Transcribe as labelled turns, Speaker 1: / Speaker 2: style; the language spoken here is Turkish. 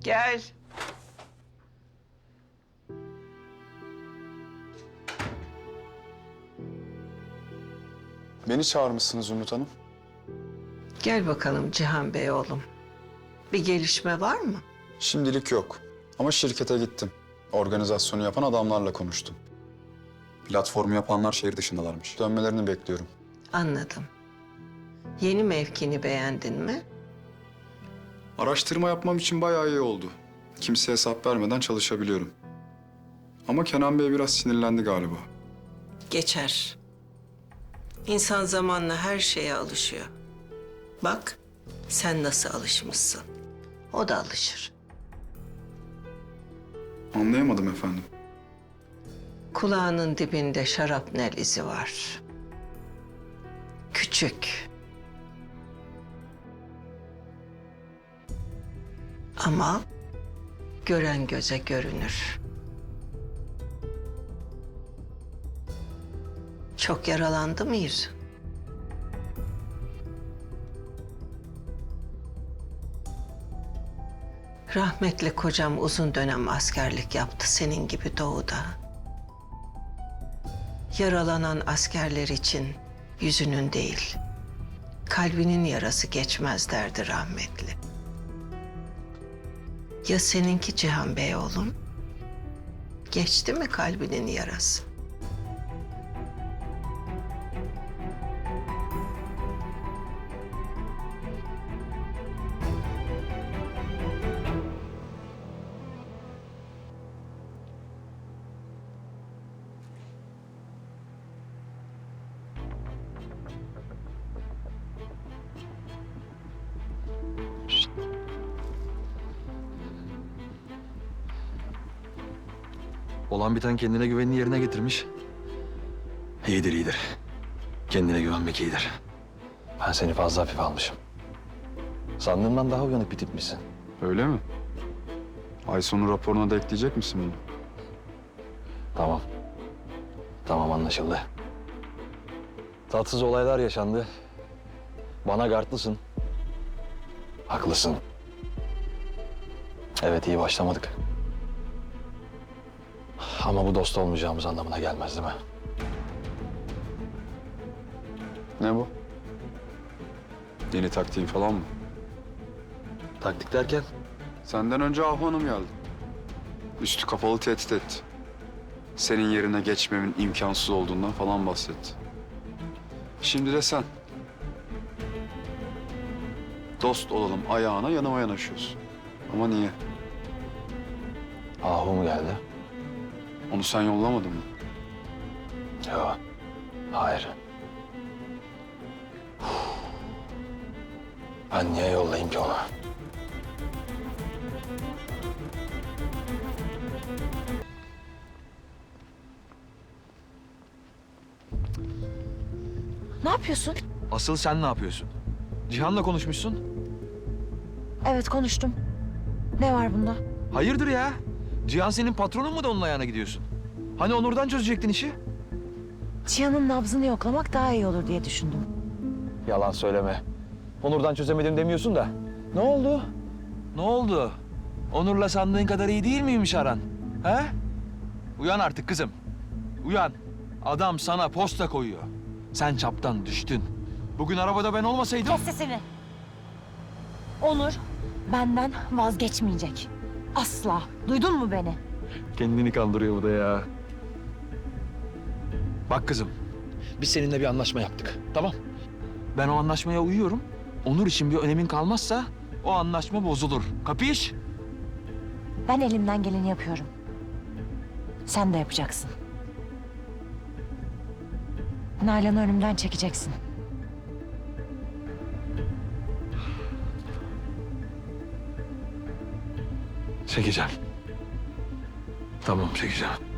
Speaker 1: Gel.
Speaker 2: Beni çağırmışsınız Zümrüt Hanım.
Speaker 1: Gel bakalım Cihan Bey oğlum. Bir gelişme var mı?
Speaker 2: Şimdilik yok. Ama şirkete gittim. Organizasyonu yapan adamlarla konuştum. Platformu yapanlar şehir dışındalarmış. Dönmelerini bekliyorum.
Speaker 1: Anladım. Yeni mevkini beğendin mi?
Speaker 2: Araştırma yapmam için bayağı iyi oldu. Kimseye hesap vermeden çalışabiliyorum. Ama Kenan Bey biraz sinirlendi galiba.
Speaker 1: Geçer. İnsan zamanla her şeye alışıyor. Bak, sen nasıl alışmışsın. O da alışır.
Speaker 2: Anlayamadım efendim.
Speaker 1: Kulağının dibinde şarapnel izi var. Küçük. Ama gören göze görünür. Çok yaralandı mı yüzün? Rahmetli kocam uzun dönem askerlik yaptı senin gibi doğuda. Yaralanan askerler için yüzünün değil, kalbinin yarası geçmez derdi rahmetli. Ya seninki Cihan Bey oğlum? Geçti mi kalbinin yarası?
Speaker 3: Olan biten kendine güvenini yerine getirmiş. İyidir, iyidir. Kendine güvenmek iyidir. Ben seni fazla hafife almışım. Sandığımdan daha uyanık bir tipmişsin.
Speaker 2: Öyle mi? Ay sonu raporuna da ekleyecek misin bunu?
Speaker 3: Tamam. Tamam, anlaşıldı. Tatsız olaylar yaşandı. Bana gardlısın. Haklısın. Evet, iyi başlamadık. Ama bu dost olmayacağımız anlamına gelmez değil mi?
Speaker 2: Ne bu? Yeni taktiğin falan mı?
Speaker 3: Taktik derken?
Speaker 2: Senden önce Ahu Hanım geldi. Üstü kapalı tehdit etti. Senin yerine geçmemin imkansız olduğundan falan bahsetti. Şimdi de sen. Dost olalım ayağına yanıma yanaşıyorsun. Ama niye?
Speaker 3: Ahu mu geldi?
Speaker 2: Onu sen yollamadın mı?
Speaker 3: Yok. Hayır. Ben niye yollayayım ki onu?
Speaker 4: Ne yapıyorsun?
Speaker 3: Asıl sen ne yapıyorsun? Cihan'la konuşmuşsun.
Speaker 4: Evet konuştum. Ne var bunda?
Speaker 3: Hayırdır ya? Cihan senin patronun mu da onun ayağına gidiyorsun? Hani Onur'dan çözecektin işi?
Speaker 4: Cihan'ın nabzını yoklamak daha iyi olur diye düşündüm.
Speaker 3: Yalan söyleme. Onur'dan çözemedim demiyorsun da. Ne oldu? Ne oldu? Onur'la sandığın kadar iyi değil miymiş aran? He? Uyan artık kızım. Uyan. Adam sana posta koyuyor. Sen çaptan düştün. Bugün arabada ben olmasaydım...
Speaker 4: Kes sesini. Onur benden vazgeçmeyecek. Asla. Duydun mu beni?
Speaker 3: Kendini kandırıyor bu da ya. Bak kızım, biz seninle bir anlaşma yaptık, tamam? Ben o anlaşmaya uyuyorum. Onur için bir önemin kalmazsa o anlaşma bozulur. Kapış?
Speaker 4: Ben elimden geleni yapıyorum. Sen de yapacaksın. Nalan'ı önümden çekeceksin.
Speaker 3: Çekeceğim. Tamam, çekeceğim.